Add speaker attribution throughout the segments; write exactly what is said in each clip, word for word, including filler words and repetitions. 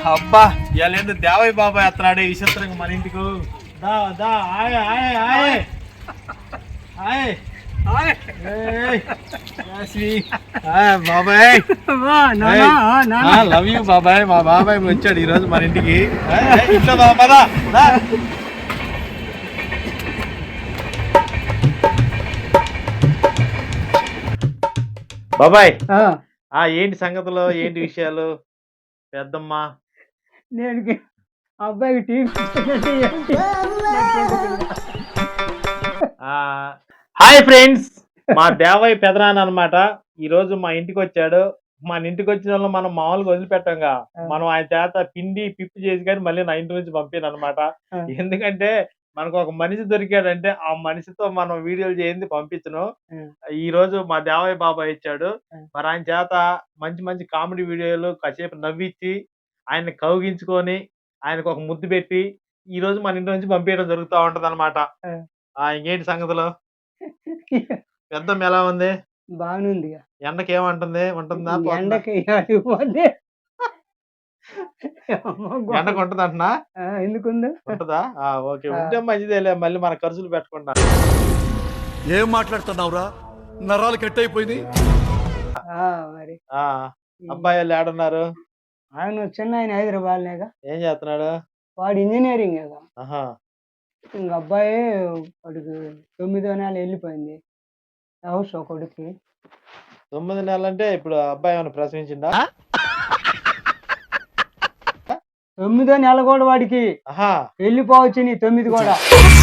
Speaker 1: అబ్బా ఇవాళ దేవయ్య బాబాయ్ అత్తనాడే విచిత్రంగా మన ఇంటికి దా దా ఆయ్ ఆయ్ ఆయ్ ఆయ్ బాబాయ్ లవ్ యూ బాబాయ్. మా బాబాయ్ వచ్చాడు ఈ రోజు మన ఇంటికి. ఇంట్లో బాబా బాబాయ్ ఆ ఏంటి సంగతులు, ఏంటి విషయాలు? పెద్దమ్మ
Speaker 2: నేను అబ్బాయికి టీవీ
Speaker 1: హాయ్ ఫ్రెండ్స్, మా దేవయ్య పెదనాన్న అనమాట. ఈ రోజు మా ఇంటికి వచ్చాడు. మన ఇంటికి వచ్చిన వాళ్ళు మనం మామూలుగా వదిలిపెట్టంగా, మనం ఆయన చేత పిండి పిప్పి చేసి కానీ మళ్ళీ నా ఇంటి నుంచి పంపాను అనమాట. ఎందుకంటే మనకు ఒక మనిషి దొరికాడంటే ఆ మనిషితో మనం వీడియోలు చేయింది పంపించను. ఈ రోజు మా దేవయ్య బాబాయ్ ఇచ్చాడు. మరి ఆయన చేత మంచి మంచి కామెడీ వీడియోలు కాసేపు నవ్వించి ఆయన్ని కౌగించుకొని ఆయనకు ఒక ముద్దు పెట్టి ఈ రోజు మన ఇంటి నుంచి పంపించడం జరుగుతూ ఉంటది అనమాట. ఇంకేంటి సంగతులు? పెద్దమ్మ ఎలా ఉంది?
Speaker 2: బాగుంది.
Speaker 1: ఎండకి ఏమంటుంది? ఉంటుందా?
Speaker 2: ఎండకి
Speaker 1: ఎండకు ఉంటది అంటున్నా?
Speaker 2: ఎందుకుంది?
Speaker 1: ఉంటదా? ఓకే, ఉంటే మంచిదేలే, మళ్ళీ మన ఖర్చులు పెట్టకుండా.
Speaker 3: ఏం మాట్లాడుతున్నావురా? నరాలు కట్ అయిపోయింది.
Speaker 2: మరి
Speaker 1: అబ్బాయి వాళ్ళు ఏడున్నారు?
Speaker 2: ఆయన చిన్న ఆయన హైదరాబాద్ లేక.
Speaker 1: ఏం చేస్తున్నాడు?
Speaker 2: వాడు ఇంజనీరింగ్ కదా. ఇంక అబ్బాయి వాడికి తొమ్మిదో నెల వెళ్ళిపోయింది. హౌస్ ఒకడికి
Speaker 1: తొమ్మిది నెలలు అంటే ఇప్పుడు అబ్బాయి ఏమైనా ప్రసవించిందా?
Speaker 2: తొమ్మిదో నెల కూడా వాడికి వెళ్ళిపోవచ్చు. నీ తొమ్మిది కూడా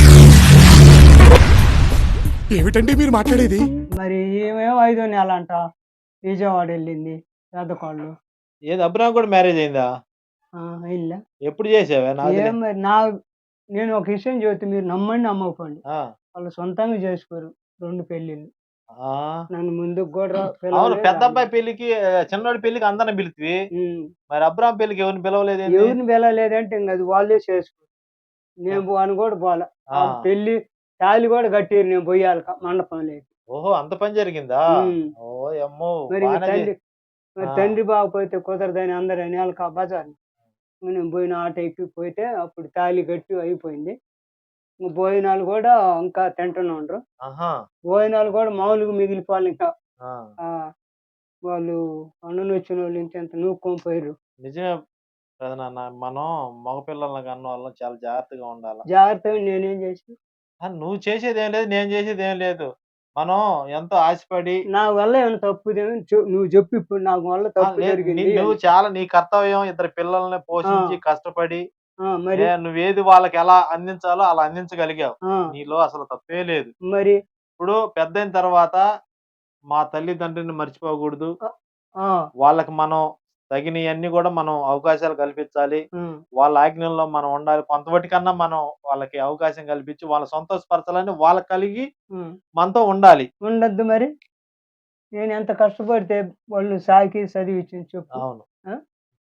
Speaker 3: ఏమిటండి మీరు మాట్లాడేది?
Speaker 2: మరి ఏమేమో ఐదో నెల అంట. విజయవాడ వెళ్ళింది పెద్ద కోళ్ళు.
Speaker 1: ఏది అబ్రాహం కూడా మ్యారేజ్ అయిందా?
Speaker 2: వెళ్ళా.
Speaker 1: ఎప్పుడు చేసావా?
Speaker 2: మరి నా నేను ఒక విషయం చెబుతే మీరు నమ్మండి నమ్మకపోండి, వాళ్ళు సొంతంగా చేసుకోరు రెండు పెళ్లిళ్ళు. నన్ను ముందుకు కూడా
Speaker 1: పెద్ద అబ్బాయి పెళ్లికి చిన్నోడి పెళ్లికి అందరిని పిలిచి, మరి అబ్రాహం పెళ్లికి ఎవరిని పిలవలేదు?
Speaker 2: ఎవరిని పిలవలేదంటే ఇంక అది వాళ్ళే చేసుకోరు. నేను పోను కూడా పోలే. పెళ్లి తాళి కూడా కట్టారు, నేను పోయాలి మండపం లేదు.
Speaker 1: ఓహో, అంత పని జరిగిందా? ఓ అమ్మో.
Speaker 2: మరి తండ్రి మరి తండ్రి బాగపోతే కుదరదని అందరు అనేవాళ్ళు కా బజార్. నేను పోయిన ఆట ఎక్కి పోతే అప్పుడు తాళి కట్టి అయిపోయింది. భోజనాలు కూడా ఇంకా తింటూనే ఉండరు. భోజనాలు కూడా మామూలుగా మిగిలిపోవాలి. ఇంకా వాళ్ళు అన్నను వచ్చిన వాళ్ళు ఇంత ఎంత నూక్కొని పోయారు.
Speaker 1: నిజమే నాన్న, మనం మగపిల్లల కన్న వాళ్ళం చాలా జాగ్రత్తగా ఉండాలి.
Speaker 2: జాగ్రత్తగా నేనేం చేసి
Speaker 1: నువ్వు చేసేది ఏం లేదు, నేను చేసేది ఏం లేదు. మనం ఎంతో ఆశపడి
Speaker 2: నా వల్ల ఏమైనా తప్పు నువ్వు చెప్పు. ఇప్పుడు నాకు వల్ల తప్పు జరిగింది.
Speaker 1: నువ్వు చాలా నీ కర్తవ్యం ఇద్దరు పిల్లల్ని పోషించి కష్టపడి మరి నువ్వేది వాళ్ళకి ఎలా అందించాలో అలా అందించగలిగావు. నీలో అసలు తప్పే లేదు.
Speaker 2: మరి
Speaker 1: ఇప్పుడు పెద్ద అయిన తర్వాత మా తల్లిదండ్రులని మర్చిపోకూడదు. వాళ్ళకి మనం తగినవన్నీ కూడా మనం అవకాశాలు కల్పించాలి. వాళ్ళ ఆజ్ఞల్లో మనం ఉండాలి. కొంతవటికన్నా మనం వాళ్ళకి అవకాశం కల్పించి వాళ్ళ సంతోషపరచాలని వాళ్ళకి కలిగి మనతో ఉండాలి.
Speaker 2: ఉండద్దు మరి నేను ఎంత కష్టపడితే వాళ్ళు సాకి చదివించి చెప్పు.
Speaker 1: అవును,